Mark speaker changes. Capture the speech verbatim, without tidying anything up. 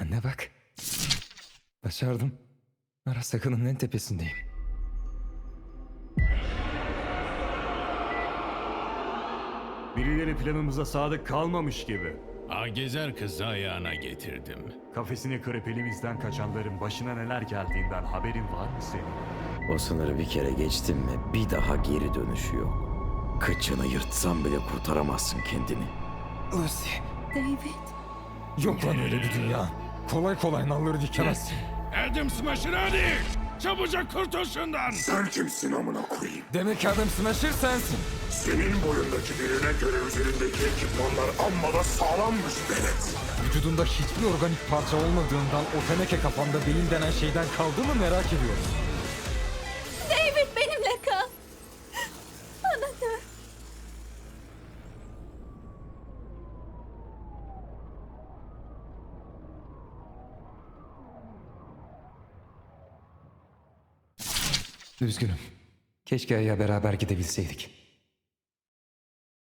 Speaker 1: Anne bak. Başardım. Arasaka'nın en tepesindeyim.
Speaker 2: Birileri planımıza sadık kalmamış gibi.
Speaker 3: Agezer kızı ayağına getirdim.
Speaker 2: Kafesini kırıp elimizden kaçanların başına neler geldiğinden haberin var mı senin?
Speaker 4: O sınırı bir kere geçtin mi bir daha geri dönüşü yok. Kıçını yırtsan bile kurtaramazsın kendini.
Speaker 1: Lucy.
Speaker 5: David.
Speaker 1: Yok lan öyle bir dünya. Kolay kolay nalları dikemezsin.
Speaker 3: Adam Smasher hadi! Çabucak kurtul şundan!
Speaker 6: Sen kimsin amına koyayım?
Speaker 1: Demek Adam Smasher sensin.
Speaker 6: Senin boyundaki birine göre üzerindeki ekipmanlar amma da sağlammış Benet.
Speaker 1: Vücudunda hiçbir organik parça olmadığından o teneke kafanda beyin denen şeyden kaldı mı merak ediyorum.
Speaker 5: David benimle kal. Bana dön.
Speaker 1: Üzgünüm. Keşke Ay'a beraber gidebilseydik.